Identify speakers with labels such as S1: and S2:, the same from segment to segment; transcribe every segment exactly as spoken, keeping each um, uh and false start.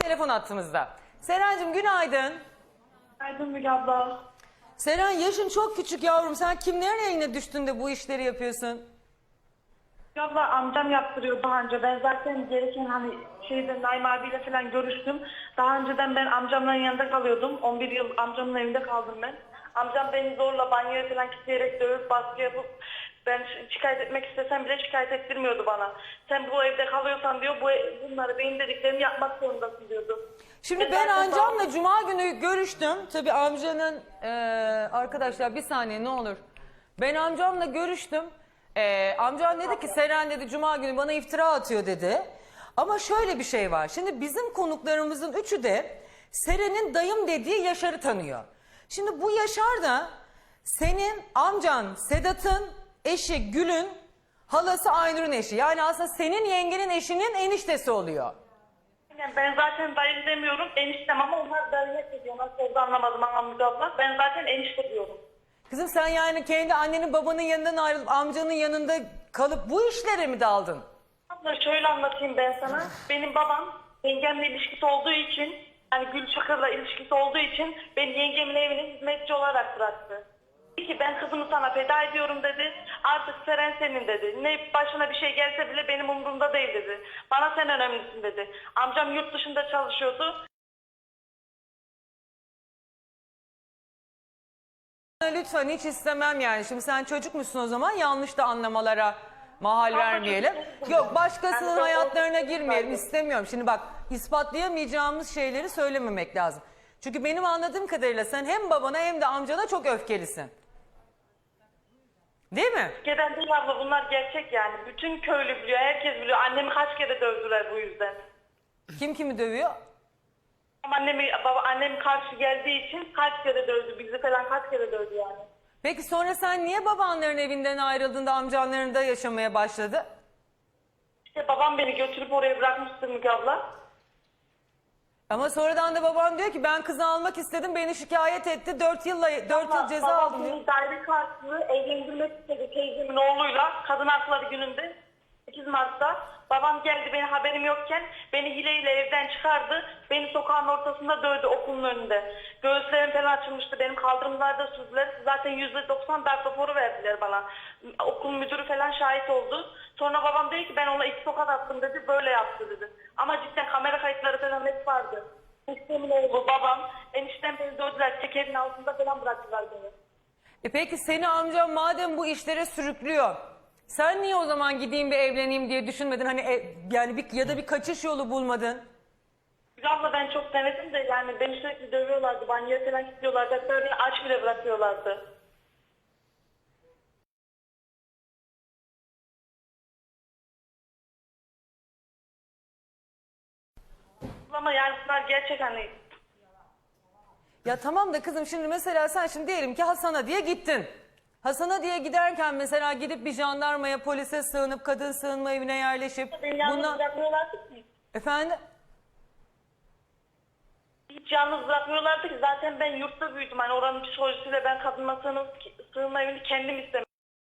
S1: telefon attığımızda. Serencim günaydın.
S2: Günaydın Müge abla.
S1: Seren yaşın çok küçük yavrum. Sen kimlerin eline düştün de bu işleri yapıyorsun?
S2: Müge abla amcam yaptırıyor daha önce. Ben zaten gereken hani şeyde Naim abiyle falan görüştüm. Daha önceden ben amcamların yanında kalıyordum. on bir yıl amcamın evinde kaldım ben. Amcam beni zorla banyoya falan kilitleyerek dövüp baskı yapıp ben şikayet etmek istesem bile şikayet ettirmiyordu bana. Sen bu evde kalıyorsan diyor bu bunları benim dediklerimi yapmak zorundasın diyordu.
S1: Şimdi
S2: Ve
S1: ben
S2: zaten
S1: amcamla cuma günü görüştüm. Tabii amcanın eee, arkadaşlar bir saniye ne olur. Ben amcamla görüştüm. Eee amcam dedi ki Seren dedi cuma günü bana iftira atıyor dedi. Ama şöyle bir şey var. Şimdi bizim konuklarımızın üçü de Seren'in dayım dediği Yaşar'ı tanıyor. Şimdi bu Yaşar da senin amcan Sedat'ın eşi Gül'ün halası Aynur'un eşi. Yani aslında senin yengenin eşinin eniştesi oluyor.
S2: ben zaten dayı demiyorum eniştem ama onlar dayı diyor. Nasıl oldu anlamadım ama Müge abla. Ben zaten enişte diyorum.
S1: Kızım sen yani kendi annenin babanın yanından ayrılıp amcanın yanında kalıp bu işlere mi daldın?
S2: Abla şöyle anlatayım ben sana. Benim babam yengemle ilişkisi olduğu için, yani Gül Çakır'la ilişkisi olduğu için beni yengemin evine hizmetçi olarak bıraktı. Dedi ki ben kızımı sana feda ediyorum dedi. Artık Seren senin dedi. Ne başına bir şey gelse bile benim umurumda değil dedi. Bana sen önemlisin dedi. Amcam yurt dışında çalışıyordu.
S1: Lütfen hiç istemem yani. Şimdi sen çocuk musun o zaman yanlış da anlamalara mahal vermeyelim. Yok başkasının hayatlarına girmeyelim istemiyorum. Şimdi bak ispatlayamayacağımız şeyleri söylememek lazım. Çünkü benim anladığım kadarıyla sen hem babana hem de amcana çok öfkelisin. Değil mi?
S2: Gelen değil abla bunlar gerçek yani. Bütün köylü biliyor, herkes biliyor. Annemi kaç kere dövdüler bu yüzden.
S1: Kim kimi dövüyor?
S2: Annemi, baba, annem karşı geldiği için kaç kere dövdü. Bizi falan kaç kere dövdü yani.
S1: Peki sonra sen niye babanların evinden ayrıldığında amcanların da yaşamaya başladı?
S2: İşte babam beni götürüp oraya bırakmıştı Müge abla.
S1: Ama sonradan da babam diyor ki ben kızı almak istedim beni şikayet etti. Dört yılla dört yıl ceza
S2: Babam
S1: aldım diyor.
S2: beni daire karşılığı evlendirmek istedi teyzemin oğluyla. Kadın hakları gününde sekiz Mart'ta. Babam geldi benim haberim yokken beni hileyle evden çıkardı. Beni sokağın ortasında dövdü okulun önünde. Göğüslerim falan açılmıştı. Benim kaldırımlarda sürdüler. Zaten yüzde doksan darp raporu verdiler bana. Okul müdürü falan şahit oldu. Sonra babam dedi ki ben ona iki tokat attım dedi. Böyle yaptı dedi. Ama cidden kamera kayıtları falan hep vardı. Eniştemin oğlu, babam, eniştem beni dövdüler. Tekerin altında falan bıraktılar beni.
S1: E peki seni amcam madem bu işlere sürüklüyor. Sen niye o zaman gideyim bir evleneyim diye düşünmedin? Hani e, yani bir, ya da bir kaçış yolu bulmadın.
S2: Bir abla ben çok denedim de yani beni sürekli dövüyorlardı. Banyoya falan kilitliyorlardı. Hatta beni aç bile bırakıyorlardı. Ama yani bunlar gerçek hani.
S1: Ya tamam da kızım şimdi mesela sen şimdi diyelim ki Hasan'a diye gittin. Hasan'a diye giderken mesela gidip bir jandarmaya, polise sığınıp, kadın sığınma evine yerleşip...
S2: Beni yalnız
S1: bundan...
S2: bırakmıyorlardı ki.
S1: Efendim?
S2: Hiç yalnız bırakmıyorlardı ki. Zaten ben yurtta büyüdüm. Hani oranın psikolojisiyle ben kadınla sığınma, sığınma evini kendim istemedim.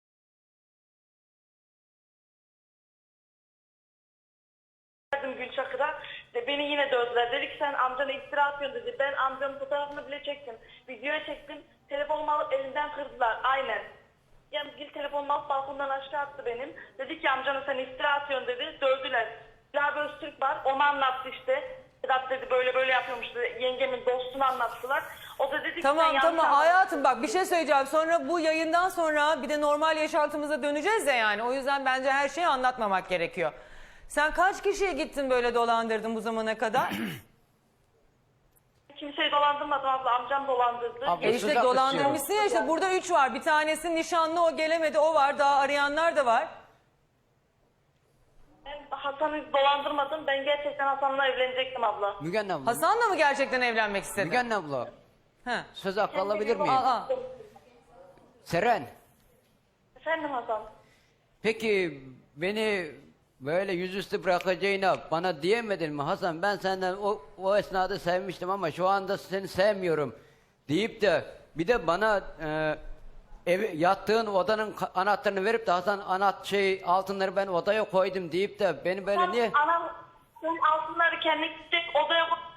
S2: Gül Çakır'a ve beni yine dövdüler. Dedi ki sen amcana iftira atıyorsun dedi. Ben amcanın fotoğrafını bile çektim. Videoya çektim. Telefonumu alıp elinden kırdılar. Aynen. Yani Gül telefonumu alıp balkondan aşağı attı benim. Dedi ki amcana sen iftira atıyorsun dedi. Dövdüler. Bilal Öztürk var. Onu anlattı işte. Sedat dedi böyle böyle yapıyormuş dedi. Yengemin dostunu anlattılar. O da dedi ki
S1: Tamam
S2: sen
S1: tamam
S2: yanlış
S1: hayatım bak bir şey söyleyeceğim. Sonra bu yayından sonra bir de normal yaşantımıza döneceğiz ya yani. O yüzden bence her şeyi anlatmamak gerekiyor. Sen kaç kişiye gittin böyle dolandırdın bu zamana kadar?
S2: Kimseyi dolandırmadım abla. Amcam dolandırdı.
S3: Abla,
S1: E
S3: söz
S1: işte
S3: hakkı
S1: dolandırmışsın ya işte burada üç var. Bir tanesi nişanlı o gelemedi o var. Daha arayanlar da var.
S2: Ben Hasan'ı dolandırmadım. Ben gerçekten Hasan'la evlenecektim abla.
S3: Mügen abla.
S1: Hasan'la mı gerçekten evlenmek istedin?
S3: Mügen abla.
S1: He.
S3: Söz hakkı alabilir miyim?
S1: Aa, aa.
S3: Seren.
S2: Efendim Hasan.
S3: Peki beni böyle yüzüstü bırakacağına bana diyemedin mi Hasan? Ben senden o, o esnada sevmiştim ama şu anda seni sevmiyorum deyip de bir de bana e, ev, yattığın odanın ka- anahtarını verip de Hasan anahtar şey altınları ben odaya koydum deyip de beni böyle niye...
S2: Anam sen altınları kendi gidecek odaya koy.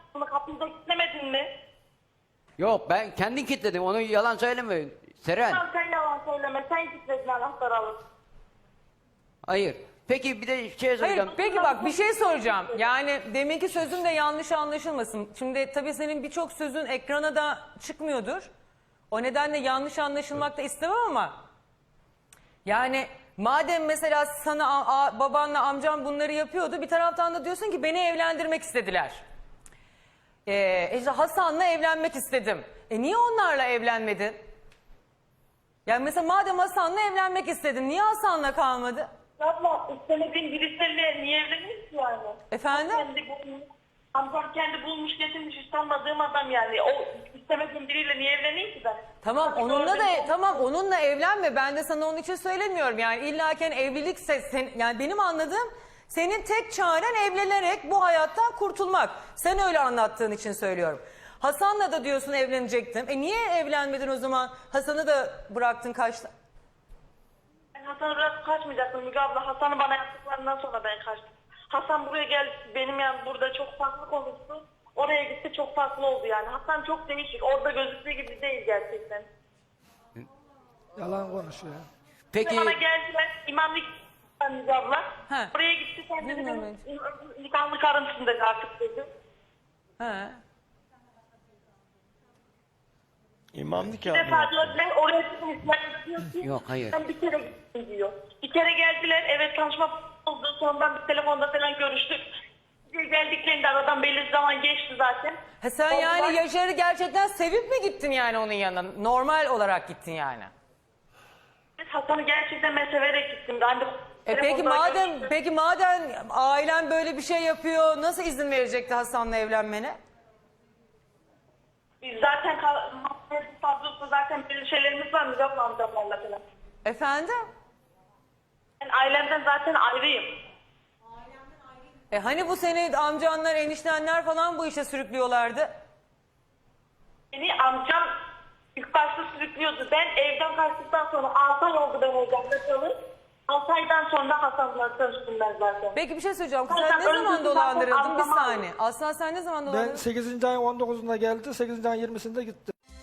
S3: Yok ben kendin kilitledim. Onu yalan söyleme Seren.
S2: Tamam, sen yalan söyleme. Sen gitmedin anahtarı alıp.
S3: Hayır. Peki bir de şey
S1: Hayır,
S3: söyleyeceğim.
S1: peki bak bir şey soracağım. Yani deminki sözüm de yanlış anlaşılmasın. Şimdi tabii senin birçok sözün ekrana da çıkmıyordur. O nedenle yanlış anlaşılmak da istemem ama. Yani madem mesela sana a- a- babanla amcam bunları yapıyordu, bir taraftan da diyorsun ki beni evlendirmek istediler. Ee, işte Hasan'la evlenmek istedim. E niye onlarla evlenmedin? Yani mesela madem Hasan'la evlenmek istedin, niye Hasan'la kalmadı?
S2: Abla istemediğin birisiyle niye evlenir ki yani?
S1: Efendim?
S2: Kendi bulmuş, amcam kendi bulmuş getirmiş hiç tanımadığım adam yani. O istemediğim biriyle niye evleneyim ki ben?
S1: Tamam
S2: Artık
S1: onunla
S2: orada-
S1: da tamam onunla evlenme. Ben de sana onun için söylemiyorum. Yani illaken evlilikse sen, yani benim anladığım senin tek çaren evlenerek bu hayattan kurtulmak. Sen öyle anlattığın için söylüyorum. Hasan'la da diyorsun evlenecektim. E niye evlenmedin o zaman? Hasan'ı da bıraktın kaçtın.
S2: Ben Hasan'ı bırakıp kaçmayacaktım Müge abla. Hasan'ı bana yaptıklarından sonra ben kaçtım. Hasan buraya geldi benim yani burada çok farklı konuştu. Oraya gitti çok farklı oldu yani. Hasan çok değişik. Orada gözüktüğü gibi değil gerçekten.
S4: Yalan konuşuyor.
S3: Peki
S2: Bana geldiler imamlık Müge abla.
S1: He.
S2: Oraya gitti sen dedi
S1: Bilmiyorum
S2: benim nikahlı karımsın dedi artık dedi.
S1: He.
S5: İmam
S2: Bir
S5: nikahı
S2: defa
S5: mı?
S2: diyor ben oraya gittim İsmail diyor ki
S3: Yok, hayır.
S2: ben bir kere gittim diyor. Bir kere geldiler evet tanışma oldu sonradan bir telefonda falan görüştük. Bir geldiklerinde aradan belli zaman geçti zaten.
S1: Ha sen
S2: Oldular.
S1: yani Yaşar'ı gerçekten sevip mi gittin yani onun yanına? Normal olarak gittin yani.
S2: Hasan'ı gerçekten ben severek gittim. Ben de
S1: E peki
S2: telefonda
S1: madem
S2: görüştüm.
S1: peki madem ailen böyle bir şey yapıyor, nasıl izin verecekti Hasan'la evlenmene?
S2: Biz zaten kal- fazlası zaten belli şeylerimiz var Müge abla amcamlarla falan.
S1: Efendim?
S2: Ben ailemden zaten ayrıyım.
S1: E hani bu seni amcanlar, eniştenler falan bu işe sürüklüyorlardı?
S2: Beni amcam ilk başta sürüklüyordu. Ben evden kaçtıktan sonra altı ay oldu ben evden kaçalı. altı aydan sonra Hasan'la tanıştım ben zaten.
S1: Peki bir şey söyleyeceğim. Sen
S2: Zaten
S1: ne zaman
S2: öncesi
S1: dolandırıldın?
S2: zaten
S1: Bir
S2: anlamam.
S1: saniye. Aslan sen ne zaman
S4: Ben
S1: dolandırıldın?
S4: sekizinci ayın on dokuzunda geldi. sekizinci ayın yirmisinde gitti.